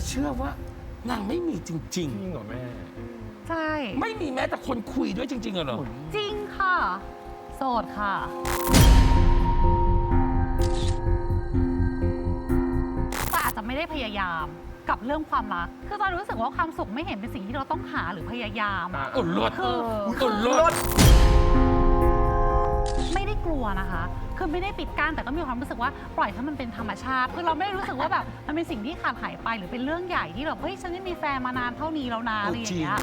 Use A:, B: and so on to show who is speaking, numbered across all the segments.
A: เชื่อว่านางไม่มีจริง
B: จริงเหรอแม่
C: ใช่
A: ๆ ไม่มีแม้แต่คนคุยด้วยจริงๆเหรอ
C: จริงค่ะ โสดค่ะแต่อาจจะไม่ได้พยายามกับเรื่องความรัก คือตอนรู้สึกว่าความสุขไม่เห็นเป็นสิ่งที่เราต้องหาหรือพยายามอะ
A: อุดรถ
C: คือ
A: อุดรถ
C: ไม่ได้กลัวนะคะ คือไม่ได้ปิดกั้นแต่ก็มีความรู้สึกว่าปล่อยให้มันเป็นธรรมชาติ คือเราไม่ได้รู้สึกว่าแบบมันเป็นสิ่งที่ขาดหายไปหรือเป็นเรื่องใหญ่ที่แบบเฮ้ยฉันไม่มีแฟนมานานเท่านี้แล้วนะอะไรอย่างเงี้ย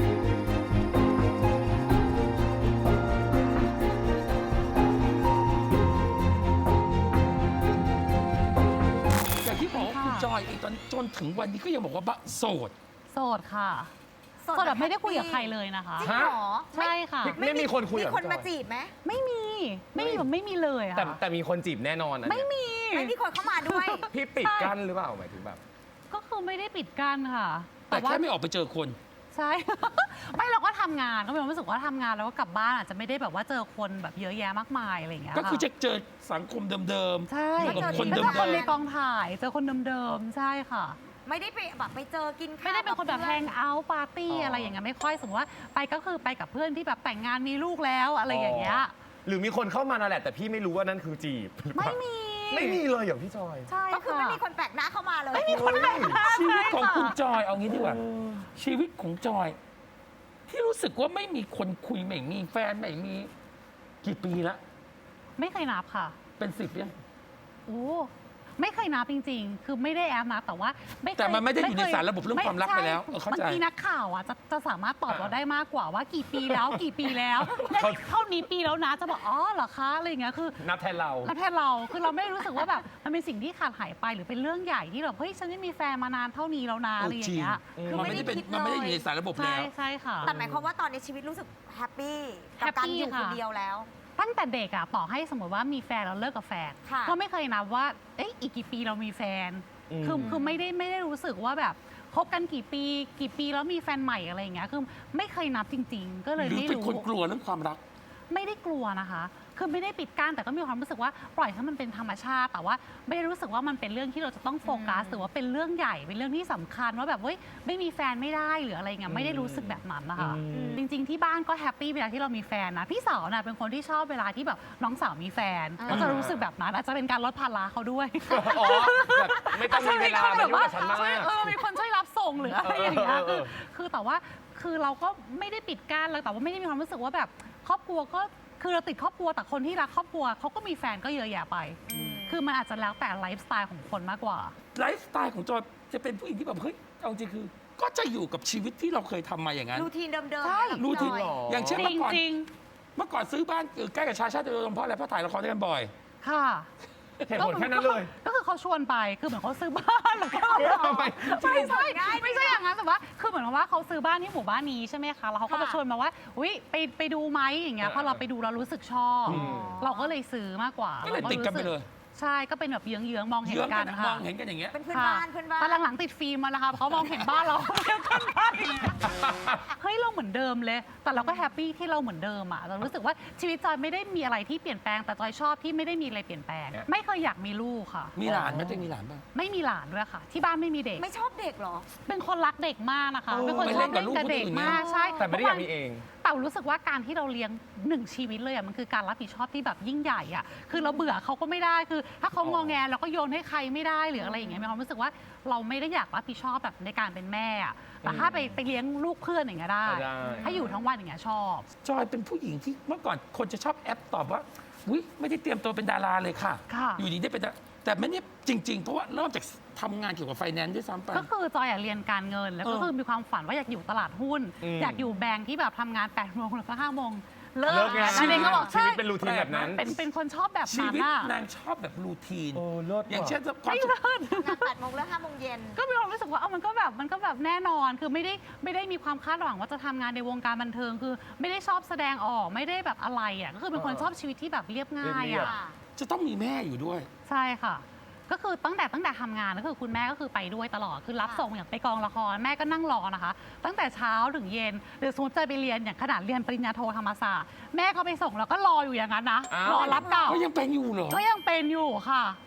A: อย่างที่บอกว่าคุณจอยเองตอนจนถึงวันนี้ก็ยังบอกว่าโสด
C: โสดค่ะ โสดแบบไม่ได้คุยกับใครเลยนะคะ
D: จริงเหรอ
C: ใช่ค่ะ
B: ไม่มีคนคุย
D: มี
B: กับ
D: คน
B: พี่จ
D: มา
B: อย
D: จีบไหม
C: ไม่มีแบบไม่มีเลย
B: แต่
C: ค่ะ
B: แต่มีคนจีบแน่นอนอัน
C: ไม่
B: เนี้ย
C: มี
D: ไม่มีคนเข้ามาด้วย
B: พี่ปิดกั้นหรือเปล่าหมายถึงแบบ
C: ก็คือไม่ได้ปิดกั้นค่ะ
A: แต่แค่ไม่ออกไปเจอคน
C: ใช่ ไม่เราก็ทำงานก็มีความรู้สึกว่าทำงานแล้วก็กลับบ้านอาจจะไม่ได้แบบว่าเจอคนแบบเยอะแยะมากมายอะไรอย่างเงี้ย
A: ก็คือ
C: ค่ะ
A: จะเจอสังคมเดิม
C: ใช่
A: อยู่กับคน
C: ก็
A: เดิ
C: เจ
A: ม
C: อคนในกองถ่ายเจอคนเดิมๆใช่ค่ะ
D: ไม่ได้ไปแบบไปเจอกินข้าว
C: ไม่ได้เป็นคนแบบแฮง
D: กับ
C: เอาท์ปาร์ตี้
B: อ๋ออ
C: อะไรอย่างเงี้ยไม่ค่อยสมมติว่าไปก็คือไปกับเพื่อนที่แบบแต่งงานมีลูกแล้วอะไรอย่างเงี้ย
B: หรือมีคนเข้ามานั่นแหละแต่พี่ไม่รู้ว่านั่นคือจีบหรือเป
C: ไม่
B: ล่า
C: มี
B: ไม่มีเลยอย่างพี่จอย
C: ใช่
D: ก็คือ
C: ค่ะ
D: ไม่มีคนแปลกหน้าเข้ามาเลย
C: ไม่มีคนแปลกหน้า
A: ๆ ชีวิตของ
C: ใช่ะ
A: คุณจอยเอางี้ดีกว่า ชีวิตของจอย ที่รู้สึกว่าไม่มีคนคุยไม่มีแฟนไม่มีกี่ปีละ
C: ไม่เคยนับค่ะ
A: เป็น10ยัง
C: โอ้ไม่เคยนับจริงๆ คือไม่ได้แอบนับแต่ว่าไม่เคย
A: แต่มันไม่ได้อยู่ใน
C: เค
A: สารระบบเรื่องความรักไปแล้ว
C: ใช่
A: เข้าใจ
C: บางทีนักข่าวอ่ะจะสามารถตอบเราได้มากกว่าว่ากี่ปีแล้ว กี่ปีแล้ว
B: เขา
C: เท่านี้ปีแล้วนะจะบอกอ๋อเหรอคะอะไรอย่างเงี้ยคือ
B: นับแทนเรา
C: แล้วแทนเราคือเราไม่ได้รู้สึกว่าแบบมันเป็นสิ่งที่ขาดหายไปหรือเป็นเรื่องใหญ่ที่แบบเฮ้ยฉันไม่มีแฟนมานานเท่านี้แล้วนะอะไรอย่างเงี้ย
D: คือ
A: มัน
D: ไม่
A: ไม่
D: ได้
A: ได้เป็น
D: คิดเลย
A: มันไม่ได้อยู่ในสารระบบ
C: ใช่
A: แล้ว
C: ใช่ค่ะ
D: แต่หมายความว่าตอนนี้ชีวิตรู้สึกแฮปปี้กับ
C: แฮป
D: การ
C: ปี้
D: อยู่คน
C: ค่ะ
D: เดียวแล้ว
C: ตั้งแต่เด็กอะต่อให้สมมติว่ามีแฟนแล้วเลิกกับแฟน
D: ค่ะ
C: ก็ไม่เคยนับว่าเอ๊ะอีกกี่ปีเรามีแฟน
B: อืม
C: คือไม่ได้รู้สึกว่าแบบคบกันกี่ปีแล้วมีแฟนใหม่อะไรอย่างเงี้ยคือไม่เคยนับจริง ๆ ก็เลย
A: หรือ
C: ไม่
A: เป็น
C: รู้
A: คนกลัวเรื่องความรัก
C: ไม่ได้กลัวนะคะ คือไม่ได้ปิดกั้นแต่ก็มีความรู้สึกว่าปล่อยให้มันเป็นธรรมชาติ แต่ว่าไม่ได้รู้สึกว่ามันเป็นเรื่องที่เราจะต้องโฟกัสหรือว่าเป็นเรื่องใหญ่เป็นเรื่องที่สำคัญว่าแบบเฮ้ยไม่มีแฟนไม่ได้หรืออะไรเงี้ยไม่ได้รู้สึกแบบนั้นนะคะ จริง ๆ ที่บ้านก็แฮปปี้เวลาที่เรามีแฟนนะพี่สาวน่ะเป็นคนที่ชอบเวลาที่แบบน้องสาวมีแฟน ก็จะรู้สึกแบบนั้นอาจจะเป็นการลดภาระเขาด้วย
B: อ๋อแบบไม่ต้องมีเวลามายุ่งกับฉันมาก
C: มีคนช่วยรับส่งหรืออะไรอย่างเงี้ย
B: เออ
C: คือแต่ว่าคือเราก็ไม่ได้ปิดกั้นเลยแต่ว่าไม่ได้มีความรู้สึกว่าแบบครอบครัวก็คือเราติดครอบครัวแต่คนที่รักครอบครัวเขาก็มีแฟนก็เยอะแยะไป คือมันอาจจะแล้วแต่ไลฟ์สไตล์ของคนมากกว่า
A: ไลฟ์สไตล์ของจอยจะเป็นผู้หญิงที่แบบเฮ้ยเอาจริงคือ ก็จะอยู่กับชีวิตที่เราเคยทำมาอย่างนั้น
D: รูทีนเดิมๆ
C: ใช่
D: เนี่ย
A: รูทีน
D: พี่จอย
A: อย่างเช่น
C: จ
A: เมื่อก่อน
C: ริง
A: เมื่อก่อนซื้อบ้านใกล้กับชาชาติโดยรวมเพราะอะไรเพราะถ่ายละครด้วยกันบ่อย
C: ๆค่ะ
B: เหตุผลแค่นั้นเลย
C: ก็คือเขาชวนไปคือเหมือนเขาซื้อบ้านแล้วก็
B: ไป
C: ไม่ใช่ไม่ใช่อย่างนั้นแต่ว่าคือเหมือนกับว่าเขาซื้อบ้านที่หมู่บ้านนี้ใช่ไหมคะแล้วเขาก็มาชวนมาว่าอุ้ยไปดูไหมอย่างเงี้ยพอเราไปดูเรารู้สึกชอบ เราก็เลยซื้อมากกว่า
A: ก็เลยติดกันไปเลย
C: ใช่ก็เป็นแบบเยื้องๆมองเห็น
A: เยื้อง
C: กั
A: กัน นม
C: ค่ะ
A: องเห็นกันอย่างเงี้ย
D: เป็นเพื่อนบ้านเพื่อนบ้าน
C: ตอนหลังๆติดฟิล์มมาแล้วค่ะเพราะมองเห็นบ้านเราเดียวกันได้เฮ้ยเราเหมือนเดิมเลย แต่เราก็แฮปปี้ที่เราเหมือนเดิมอ่ะเรารู้สึกว่าชีวิตจอยไม่ได้มีอะไรที่เปลี่ยนแปลงแต่จอยชอบที่ไม่ได้มีอะไรเปลี่ยนแปลง ไม่เคยอยากมีลูกค่ะ
A: มีหลานไหมจะมีหลานบ้าง
C: ไม่มีหลานด้วยค่ะ ที่บ้านไม่มีเด็ก
D: ไม่ชอบเด็กเหรอ
C: เป็นคนรักเด็กมากนะคะ
B: เออ
C: เป็นคนชอบเล่นกับเด็กมากใช่
B: แต่ไม่ได้อยากมีเอง
C: แต่รู้สึกว่าการที่เราเลี้ยงหนึ่งชีวิตเลยอ่ะมันคือการรับผิดชอบที่แบบยิ่งใหญ่อ่ะคือเราเบื่อเขาก็ไม่ได้คือ ถ้าเขางอแงเราก็โยนให้ใครไม่ได้หรืออะไรอย่างเงี้ยมีความรู้สึกว่าเราไม่ได้อยากรับผิดชอบแบบในการเป็นแม่อ่ะแต่ถ้าไปเลี้ยงลูกเพื่อนอย่างเงี้ยได้
B: ได้
C: ถ้าอยู่ทั้งวันอย่างเงี้ยชอบ
A: จอยเป็นผู้หญิงที่เมื่อก่อนคนจะชอบแอปตอบว่าอุ้ยไม่ได้เตรียมตัวเป็นดาราเลยค่ะ
C: ค่ะ
A: อยู่ดีได้เป็นดาแต่ไม่ได้จริง ๆ เพราะว่าเริ่มจากทำงานเกี่ยวกับไฟแนนซ์ด้วยซ้ำไป
C: ก็คือจอยอยากเรียนการเงิน แล้วก็
A: เออ
C: คือมีความฝันว่าอยากอยู่ตลาดหุ้น อยากอยู่แบงค์ที่แบบทำงาน8 โมงแล้วก็5 โมงเลิ
B: เลิ
C: ก
B: กงาน
C: อันนี้ก็บอก
B: ชี
C: ใช่
B: วิตเป็นรูทีนแบบนั้น
C: เป็นคนชอบแบบ
A: ชี
C: นั้น
A: วิต
C: อะ
A: นางชอบแบบรูทีน
B: โอ้เลิศ
A: อย่างเช่นความ
C: ไม่
A: สุข
C: เลิศ
D: งาน8 โมงเลิก5 โมงเย็น
C: ก็มีความรู้สึกว่ามันก็แบบแน่นอนคือไม่ได้มีความคาดหวังว่าจะทำงานในวงการบันเทิงคือ ไม่ได้ชอบแสดงออกไม่ได้แบบอะไรอ่ะก็คือเป็นคนชอบชีวิตที่แบบเรียบง่าย
B: เรียบ
C: อ่ะ
A: จะต้องมีแม่อยู่ด้วย
C: ใช่ค่ะ ก็คือตั้งแต่ทำงานก็คือคุณแม่ก็คือไปด้วยตลอดคือรับส่งอย่างไปกองละครแม่ก็นั่งรอนะคะ ตั้งแต่เช้าถึงเย็นหรือสมมติจะไปเรียนอย่างขนาดเรียนปริญญาโทธรรมศาสตร์แม่เขาไปส่งแล้วก็รออยู่อย่างนั้นนะ
B: อ้าว
C: รอรับเก่า
A: ก็ยังเป็นอยู่เหรอ
C: ก็ยังเป็นอยู่ค่ะ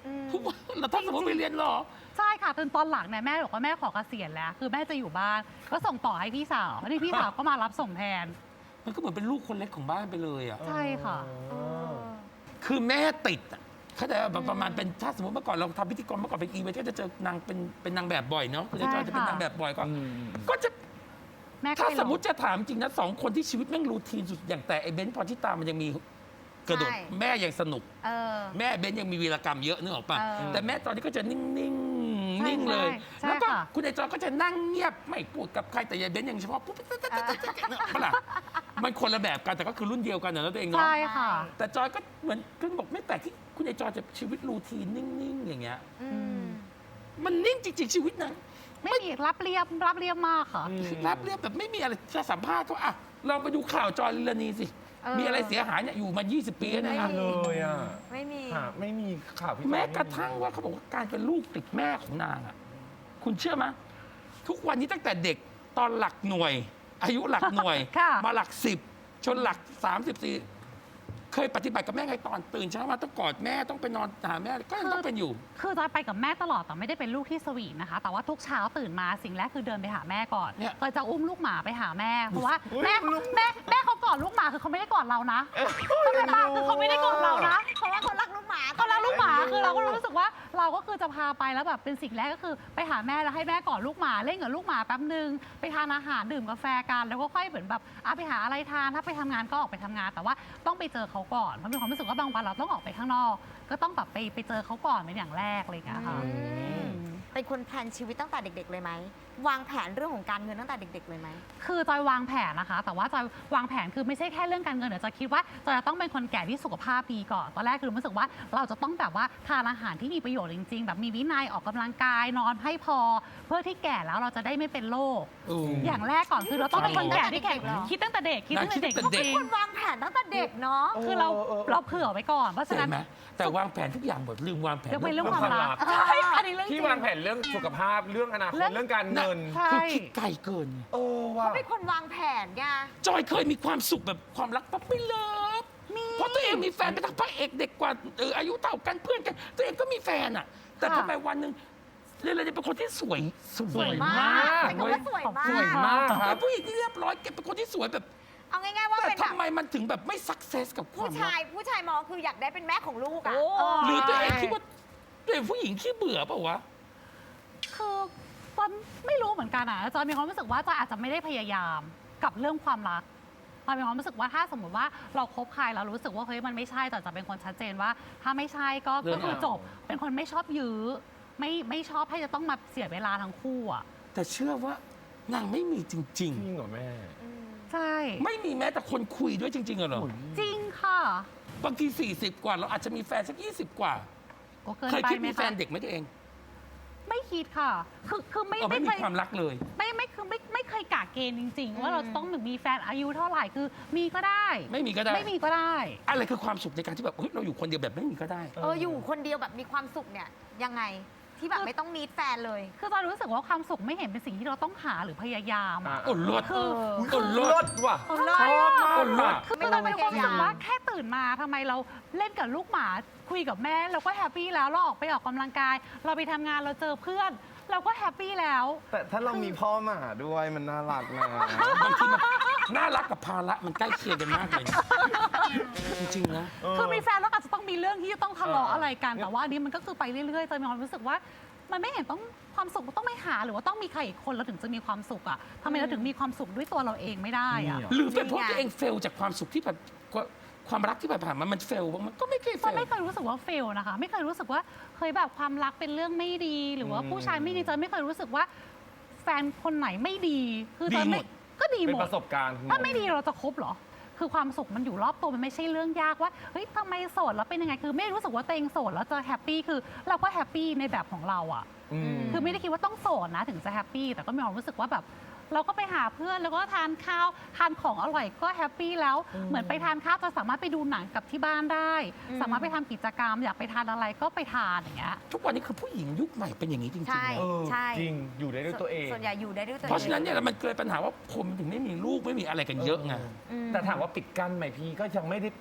A: ทุกวันเราถ้าสมมติไปเรียนหรอ
C: ใช่ค่ะจนตอนหลังเนี่ยแม่บอกว่าแม่ขอเกษียณแล้ว คือแม่จะอยู่บ้านก็ส่งต่อให้พี่สาวแล้วนี่พี่สาวก็มารับส่งแทน
A: มันก็เหมือนเป็นลูกคนเล็กของบ้านไปเลยอ่ะ
C: ใช่ค่ะ
A: คือแม่ติดอะเขาใจแบบประมาณเป็นถ้าสมมติเมื่อก่อนเราทำพิธีกรเมื่อก่อนเป็นอีเวนต์ก็จะเจอนางเป็นนางแบบบ่อยเนาะคุณจอยจะเป็นนางแบบบ่อยก็จะ
C: แม่ก็
A: ถ้า
C: ไปลง
A: สมมติจะถามจริงนะสองคนที่ชีวิตแม่งรูทีนสุดอย่างแต่ไอ้เบนซ์พรชิตามันยังมีกระโดด
D: ใช่
A: แม่ยังสนุก
D: เออ
A: แม่เบนซ์ยังมีวีรกรรมเยอะนึกออกป่ะ
D: เออ
A: แต่แม่ตอนนี้ก็จะนิ่งๆ
C: ใช่
A: นิ่งเลย
C: ใช่
A: แล้วก็
C: ค่ะ
A: คุณไอจอยก็จะนั่งเงียบไม่พูดกับใครแต่ยายเบนซ์ยังเฉพาะปุ๊บนึกออกปะล่ะมันคนละแบบกันแต่ก็คือรุ่นเดียวกันนะตัวเองเนาะ
C: ใช่ค่ะ
A: แต่จอยก็เหมือนคุณบอกไม่แปลกที่คุณไอจอยจะชีวิตรูทีนนิ่งๆ อย่างเงี้ย มันนิ่งจริงๆชีวิตนะ
C: ไม่มีรับเรียบมากค่ะ
A: รับเรียบแบบไม่มีอะไรจะสัมภาษณ์เขาอ่ะลองไปดูข่าวจอยลิลานีสิ
D: เออ
A: มีอะไรเสียหายเนี่ยอยู่มา 20 ปีแล้วนะ
D: ไม่มี
B: เลยอ่ะ
D: ไม่มี
B: ค่ะไม่มีข่าวพี่
A: แม้
B: จอย
A: กระทั่งว่าเขาบอกว่าการเป็นลูกติดแม่ของนางอ่ะคุณเชื่อไหมทุกวันนี้ตั้งแต่เด็กตอนหลักหน่วย อายุหลักหน่วย
C: ค่ะ
A: มาหลัก 10 จนหลัก 34 เคยปฏิบัติกับแม่ไงตอนตื่นเช้ามาต้องกอดแม่ต้องไปนอนหาแม่ก็ยังต้องเป็นอยู่
C: คือจอยไปกับแม่ตลอดแต่ไม่ได้เป็นลูกที่สวีทนะคะ แต่ว่าทุกเช้าตื่นมาสิ่งแรกคือเดินไปหาแม่ก่อน
A: เนี่ย
C: เคยจะอุ้มลูกหมาไปหาแม่เพราะว่าแม่เขากอดลูกหมาคือเขาไม่ได้กอดเรานะเข้าใจปะคือเขาไม่ได้กอดเรานะ
D: เพราะว่าเขารักลูกหมา
C: เขารักลูกหมาคือเราก็รู้สึกว่าเราก็คือจะพาไปแล้วแบบเป็นสิ่งแรกก็คือไปหาแม่แล้วให้แม่กอดลูกหมาเล่นกับลูกหมาแป๊บนึงไปทานอาหารดื่มกาแฟกันแล้วก็ค่อยเหมือนแบบไปหาอะไรทานถ้าไปทำงานก็ออกไปทำงาน แต่ว่าต้องไปเจอเขาก่อนเพราะมีความรู้สึกว่าบางวันเราต้องออกไปข้างนอก ก็ต้องแบบไปเจอเขาก่อนเป็นอย่างแรกอะไรอย่างเงี้ยค่ะ
D: เป็นคนแพลนชีวิตตั้งแต่เด็ก ๆ เลยไหม วางแผนเรื่องของการเงินตั้งแต่เด็ก ๆ เลยไหม
C: คือจอยวางแผนนะคะ แต่ว่าจอยวางแผนคือไม่ใช่แค่เรื่องการเงินเดี๋ยวจอยคิดว่าจอยจะต้องเป็นคนแก่ที่สุขภาพดีก่อนตอนแรกคือรู้สึกว่าเราจะต้องแบบว่าทานอาหารที่มีประโยชน์จริง ๆ แบบมีวินัยออกกำลังกายนอนให้พอ เพื่อที่แก่แล้วเราจะได้ไม่เป็นโรคอย่างแรกก่อนคือเราต้องเป็นคนแก่ที่แข็ง
D: คิดตั้งแต่เด็กเหรอ
C: คิดตั้งแต่เด็ก
A: คิดตั้งแต่เด็ก
C: จริง
D: คนวางแผนตั้งแต่เด็กเนาะ
C: คือเราเผื่อไว้ก่อนเพราะฉะ
A: ใช่
C: นั้น
A: ไหมแต่วางแผนทุกอย่างหมดลืมวางแผน
C: ยกเว้นเรื่องความรัก
B: เรื่องความรัก
C: ใช่อันนี้เรื่องจริ
B: ที่
C: ง
B: วางแผนเรื่องสุขภาพเรื่องอนาคตเรื่องการเงิน
C: ใช่
A: คือคิดไกลเกินไง
B: โอ้ว่ะ
D: เป็นคนวางแผนไง
A: จอยเคยมีความสุขแบบความรักปั๊บไม่เลิฟเพราะตัวเองมีแฟนเป็นทั้งพระเอกเด็กกว่าอายุเท่ากันเพื่อนกัน ตัวเองก็มีแฟนอ่ะ แต่ทำไมวันหนึ่งเรนเป็นคนที่สวยมาก
D: เป็นคนว่าสวยมาก
B: สวยมากครั
A: เป็
B: บ
A: นผู้หญิงที่เรียบร้อยเก็บเป็นคนที่สวยแบบ
D: เอาง่ายๆว่า
A: แต่
D: เป็นแบบ
A: ทำไมมันถึงแบบไม่สักเซสกับความ
D: ผู้
A: รั
D: ชาก ยมองคืออยากได้เป็นแม่ของลูกอ่ะ
A: หรือตัวเองคิดว่าตัวเองผู้หญิงขี้เบื่อเปล่าวะ
C: คือจอยไม่รู้เหมือนกันอ่ะจอยมีความรู้สึกว่าจอยอาจจะไม่ได้พยายามกับเรื่องความรักจอยมีความรู้สึกว่าถ้าสมมติว่าเราคบใครเรารู้สึกว่าเฮ้ยมันไม่ใช่จอยจะเป็นคนชัดเจนว่า ถ้าไม่ใช่ก็
A: เลิก
C: คือจบ เป็นคนไม่ชอบยื้อไม่ชอบให้จะต้องมาเสียเวลาทั้งคู่อ่ะ
A: แต่เชื่อว่านางไม่มีจริง
B: จริงเหรอแม่
C: ใช่
A: ๆ ไม่มีแม้แต่คนคุยด้วยจริงๆเหรอ
C: จริงค่ะ
A: บางที 40 กว่าเราอาจจะมีแฟนสัก 20 กว่า
C: ก็เกิน
A: เคย
C: ไป
A: คิด
C: ไหม
A: มีแฟ
C: คะ
A: นเด็กไหมตัวเอง
C: ไม่คิดค่ะ คือไม่
A: ไม่
C: เค
A: มี
C: ย
A: ความรักเลย
C: ไม่เคยกะเกณฑ์จริง ๆ ว่าเราจะต้องมีแฟนอายุเท่าไหร่คือมีก็ได้
A: ไม่มีก็ได้
C: ไม่มีก็ได้
A: อะไรคือความสุขในการที่แบบเฮ้ยเราอยู่คนเดียวแบบไม่มีก็ได้
D: อยู่คนเดียวแบบมีความสุขเนี่ยยังไงที่แบบไม่ต้องมีแฟนเลย
C: คือจอยรู้สึกว่าความสุขไม่เห็นเป็นสิ่งที่เราต้องหาหรือพยายามอะ
A: โอ้ลด
C: คือ
A: โอ้ล
B: ร
A: ด
B: ถว่ะ
D: เลิศ
B: ชอบมาก
A: คนร
B: ว่ะ
A: ถ
C: คือจอยเป็นคนรู้สึกว่าแค่ตื่นมาทำไมเราเล่นกับลูกหมาคุยกับแม่เราก็แฮปปี้แล้วเราออกไปออกกำลังกาย เราไปทำงานเราเจอเพื่อน เราก็แฮปปี้แล้ว
B: แต่ถ้าเรามีพ่อหมาด้วยมันน่ารักนะ
A: บางทีมันน่ารักกับภาระมันใกล้เคียงกันมากเลยนะจริงๆนะ
C: คือมีแฟนแล้วอาจจะต้องมีเรื่องที่จะต้องทะเลาะอะไรกันแต่ว่าอันนี้มันก็คือไปเรื่อยๆจอยมีความรู้สึกว่า มันไม่เห็นต้องความสุขต้องไม่หาหรือว่าต้องมีใครอีกคนเราถึงจะมีความสุขอ่ะทำไมเราถึงมีความสุขด้วยตัวเราเองไม่ได้อ่ะ
B: นี่
A: หรือเป็นเพราะตัวเองเฟลจากความสุขที่แบบความรักที่ผ่านมามันเฟลบ้างมันก็ไม่เคยเฟ
C: จอย
A: ล
C: ไม่เคยรู้สึกว่าเฟลนะคะ ไม่เคยรู้สึกว่าเคยแบบความรักเป็นเรื่องไม่ดี หรือว่าผู้ชายไม่ดีจอยไม่เคยรู้สึกว่าแฟนคนไหนไม่ดี คือจอยไม่ก็ดี
B: เป็น
C: หม
B: ป
C: ด
B: ระสบการณ์
C: ถ้าไม่ดีเราจะคบเหรอ คือความสุขมันอยู่รอบตัวมันไม่ใช่เรื่องยากว่าเฮ้ยทำไมโสดแล้วเป็นยังไงคือไม่รู้สึกว่าตัวเองโสดแล้วจะแฮปปี้คือเราก็แฮปปี้ในแบบของเราอ่ะ คือไม่ได้คิดว่าต้องโสดนะถึงจะแฮปปี้แต่ก็มีความรู้สึกว่าแบบเราก็ไปหาเพื่อนแล้วก็ทานข้าวทานของอร่อยก็แฮปปี้แล้วเหมือนไปทานข้าวจะสามารถไปดูหนังกับที่บ้านได้ สามารถไปทำกิจกรรม อยากไปทานอะไรก็ไปทานอย่างเงี้ย
A: ทุกวันนี้คือผู้หญิงยุคใหม่เป็นอย่างนี้จริงๆ
D: ใช่
A: นะ
D: ใช่
B: จริงอยู่ได้ด้วยตัวเอง
D: ส่วนใหญ่อยู่ได้ด้วยตัวเอง
A: เพราะฉะนั้นเนี่ยมันเกิดปัญหาว่าคนถึงไม่มีลูกไม่มีอะไรกันเยอะไง
D: อืม
B: แต่ถามว่าปิดกั้นไหมพี่ก็ยังไม่ได้ปิด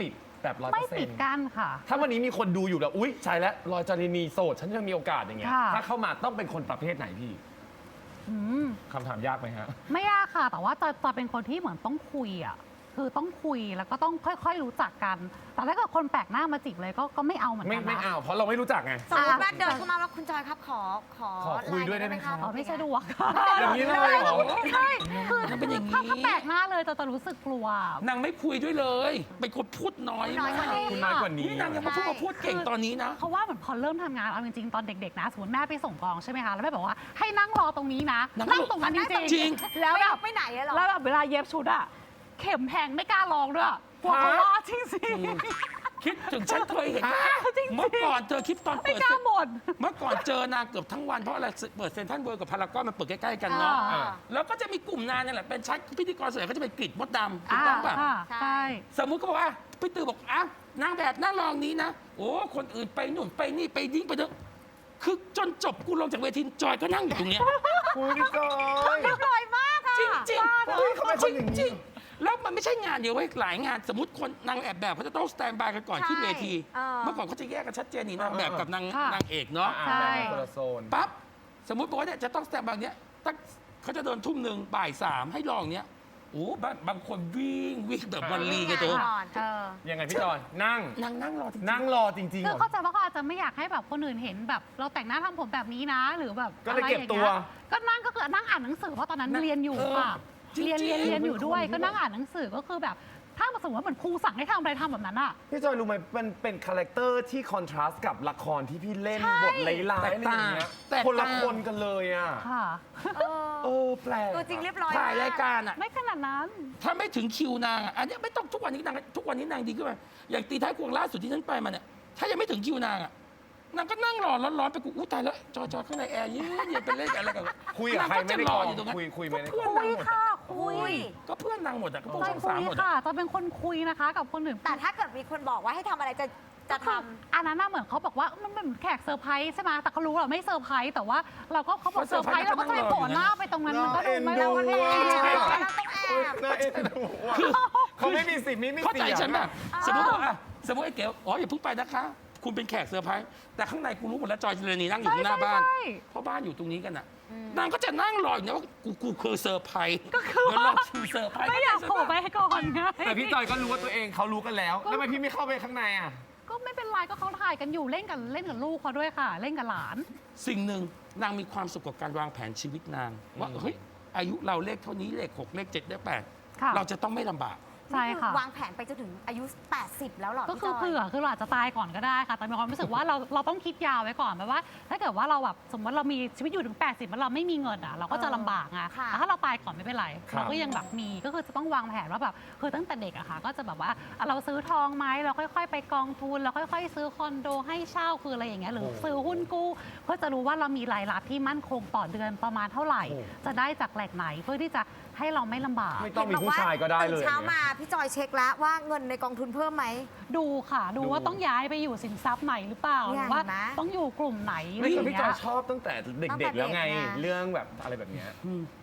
B: แบบ
C: ไม่ปิด
B: 100%
C: กั้นค่ะ
B: ถ้าวันนี้มีคนดูอยู่แล้วอุ๊ยใช่แล้วรอยจารินีโสดฉันยังมีโอกาสอย่างเงี้ย
C: ค่ะ
B: ถ้าเข้ามาต้องเป็นคนประเภทไหนพี่
C: อืม
B: คำถามยากไหมฮะ
C: ไม่ยากค่ะ แต่ว่าจะเป็นคนที่เหมือนต้องคุยอ่ะคือต้องคุยแล้วก็ต้องค่อยๆรู้จักกัน แต่ถ้าเกิดคนแปลกหน้ามาจีบเลยก็ไม่เอาเหมือน
B: ไม่
C: กัน
B: ไม่
C: นะ
B: เอาเพราะเราไม่รู้จักไง
D: สมมติว่าเดินเข้ามาแล้วคุณจอยครับขอ
B: ขอคุยด้วยได้ไหมครับ
C: อ๋อไม่สะดวก
B: อย่างนี้เลยเหรอ
C: ใช่คือ
A: มันเป็นอย่างนี้
C: ถ้าแปลกหน้าเลยจะรู้สึกกลัว
A: นางไม่คุยด้วยเลย เป็นคนพูดน้อย
D: น้อยกว่านี้
B: คุณน้อยกว่านี้
A: นี่นางยังมาพูดเก่งตอนนี้นะ
C: เพราะว่าเหมือนพอเริ่มทำงานเอาจริงๆตอนเด็กๆนะสมมติแม่ไปส่งกองใช่ไหมคะแล้วแม่บอกว่าให้นั่งรอตรงนี้นะ
A: นั่ง
C: ตรงนั้นจ
A: จริ
C: ริ
A: ง
C: งๆแล้ว
D: ไม่
C: แบ
D: อบ อกไปไหนอะเหรอ
C: แล้วแบบเวลาเย็บชุดอะเข็มแพงไม่กล้าลองด้วยกลัวเขาว่าจริง
A: คิดถึงฉันเคยเห็น
C: จริงๆ
A: เมื่อก่อนเจอคลิปตอน
C: ๆไม่
A: เปิด
C: กล้า
A: เซ็น
C: บ่น
A: เมื่อก่อนเจอนางเกือบทั้งวันเพราะอะไรเปิดเซ็นทรัลเวิลด์กับพารากอนมันเปิดใกล้ๆกันเนาะ
C: อ่า
A: แล้วก็จะมีกลุ่มนางเนี่ยแหละเป็นชั้นพิธีกรส่วนใหญ่ก็จะเป็นกริดมดดำถูกต้องป่ะ
C: ค่ะ
D: ใช่
C: ใช่
A: สมมุติก็บอกว่าพี่ตือบอกอ่ะนางแบบนั่งรองนี้นะ โอ้คนอื่นไปนู่นไปนี่ไปดิ้งไปเถอะคือจนจบกูลงจากเวทีจอยก็นั่งอยู่ตรงเนี้ย
B: คุณจอย
D: เรียบร้อยมากอะ
A: จริงจริง
B: เฮ้ยเขาเป็นคนอย่างนี้
A: จริงๆแล้วมันไม่ใช่งานเดียวเว้ยหลายงาน สมมติคนนางแบบเขาจะต้องสแตนบายกันก่อนขึ้นเวที เมื่อก่อนเขาจะแยกกันชัดเจนนี่นางแบบกับนางเอกเนาะ
B: อ่าแบ่งเป็นคนละโซน
A: ปั๊บสมมติบอกว่าเนี่ยจะต้องสแตนบายเนี้ยตั้งเขาจะเดินทุ่มหนึ่งบ่ายสามให้ลองเนี้ยโอ้บางคนวิ่งแบบวันลีกันเถอะ
D: ก่อน
B: ยังไงพี่จอย นั่ง
A: นั่งรอจริงๆ
B: นั่งรอจริงๆ
C: คื
B: เหร
C: อ
B: อ
C: เข้าใจว่าเขาอาจจะไม่อยากให้แบบคนอื่นเห็นแบบเราแต่งหน้าทำผมแบบนี้นะ หรือแบบ
B: ก็เลย
C: อะไร
B: เก็บ
C: อย่าง
B: ตั
C: งี้
B: ว
C: ก็นั่งก็คือนั่งอ่านหนังสือเพราะตอนนั้นเรียนอยู่ค่ะ
A: จริงๆ
C: เรียนอยู่ด้วยก็นั่งอ่านหนังสือก็คือแบบถ้าสมมติว่าเหมือนครูสั่งให้ทำอะไรทำแบบนั้นอะ
B: พี่จอยรู้ไหมมันเป็นคาแรคเตอร์ที่คอนทราสต์กับละครที่พี่เล่น
C: ใช่
B: บทร้ายๆอะไรอย่างเงี้ย
A: แตกต่าง
B: คนละคนกันเลยอ่ะ
C: ค่ะ
B: เออแปลก
D: ตัวจริงเรียบร้อย
A: ถ่ายรายการอ่ะ
C: ไม่ขนาดนั้น
A: ถ้าไม่ถึงคิวนางอะอันเนี้ยไม่ต้องทุกวันนี้นางดีขึ้นมาอย่างตีท้ายควงล่าสุดที่ฉันไปมาเนี่ยถ้ายังไม่ถึงคิวนางอ่ะนางก็นั่งรอร้อนๆไปกูอู้ตายแล้วจอข้างในแอร์เย็นๆไปเล่นอะไรกัน
B: คุยกับใครไม่ได้
A: นาง
B: ก่
A: ก็
B: อน
A: จะรออยู่ตรงนั้น
B: คุยไม่ได้
A: เพื่อน
C: คุ
A: นาง
C: ย
A: หมด
C: ค่ะ
A: อะ
C: คุย
A: ก็เพื่อนนางหมดอ่ะก็พวก
C: ใช่
A: ช่อง
C: คุ
A: สาม
C: ย
A: หมด
C: ค่ะ
A: อะ
C: จะเป็นคนคุยนะคะกับคนอื่น
D: แต่ถ้าเกิดมีคนบอกว่าให้ทำอะไรจะท
C: อันนั้นน่ะเหมือนเขาบอกว่ามันเป็นแขกเซอร์ไพรส์ใช่ไหมแต่เขารู้เราไม่เซอร์ไพรส์แต่ว่าเราก็เขาบอกเซอร์ไพรส์เราก็จะไปโผล่หน้าไปตรงนั้นมันก็ดูไม่ได้ว่า
B: น่า
C: แอ
B: เอ็นดู
C: บ
B: อะ
D: ำต้องแอบ
B: น่าเอ็นดูอะเขาไม่มีสิทธิ์ไม่มี
A: เข้า
B: เสี
A: ใจ
B: ยง
A: ฉันแบบ
D: อ่า
A: สมมติว่าอ่ะสมมติไอ้เก๋อ๋ออย่าเพิ่งไปนะคะ คุณเป็นแขกเซอร์ไพรส์แต่ข้างในกูรู้หมดแล้วจอยเจริญนีนั่งอยู่ข้างหน้าบ้าน
C: ใช่
A: เพราะบ้านอยู่ตรงนี้กันอ่ะนางก็จะนั่งรออยู่นะว่ากูคือเซอร์ไพรส์
C: ก็คือ
A: เดี๋ยว
C: ว่า
A: รอคิวเซอร์ไพรส์
C: ไม่อยากโผล่ไปให้ก่อนไง
B: แต่พี่จอยก็รู้ว่าตัวเองเขารู้กันแล้วแล้วทำไมพี่ไม่เข้าไปข้างในอ่ะ
C: ก็ไม่เป็นไรก็เขาถ่ายกันอยู่เล่นกับลูกเขาด้วยค่ะ เล่นกับหลาน
A: สิ่งหนึ่งนางมีความสุขกับการวางแผนชีวิตนาง ว่าเฮ้ยอายุเราเลขเท่านี้เลข6เลข7เลข
C: ค่ะ
A: 8เราจะต้องไม่ลำบาก
C: ใช่ค่ะ
D: วางแผนไปจนถึงอายุ 80 แล้วเหรอ
C: ก็
D: พี่
C: คือ
D: จอย
C: คือเราอาจจะตายก่อนก็ได้ค่ะ แต่มีความรู้สึกว่าเราต้องคิดยาวไว้ก่อนแบบว่า ถ้าเกิดว่าเราแบบสมมติเรามีชีวิตอยู่ถึง 80แล้วเราไม่มีเงินอ่ะเราก็จะลำบากไง
D: ค่ะ
C: แต่ถ้าเราตายก่อนไม่เป็นไร
B: ครับ
C: เราก็ยังแบบมีก็คือจะต้องวางแผนว่าแบบคือตั้งแต่เด็กอะค่ะ ก็จะแบบว่าเราซื้อทองไหมเราค่อยๆ ไปกองทุนเราค่อยๆ ซื้อคอนโดให้เช่าคืออะไรอย่างเงี้ยหรือซื้อหุ้นกู้เพื่อจะรู้ว่าเรามีรายรับที่มั่นคงต่อเดือนประมาณเท่าไหร่ จะได้จากแหล่งไหนเพื่อที่จะให้เราไม่ลำบาก
B: ไม่ต้องมีผู้ชายก็ได้เลย
D: ตื่นเช้ามาพี่จอยเช็คแล้วว่าเงินในกองทุนเพิ่มไหม
C: ดูค่ะดู
B: ดู
C: ว่าต้องย้ายไปอยู่สินทรัพย์ไหนหรือเปล่าหรือว่า
D: เห็นไหม
C: ต้องอยู่กลุ่มไหนอะไร
B: ไม่
C: อ
B: แต่
C: ย่าง
B: พี่
C: เงี้
B: จอย ยชอบตั้งแต่เด็กๆแล้วไง
D: ตั้งแต่เด็กไง
B: เรื่องแบบอะไรแบบเนี้ย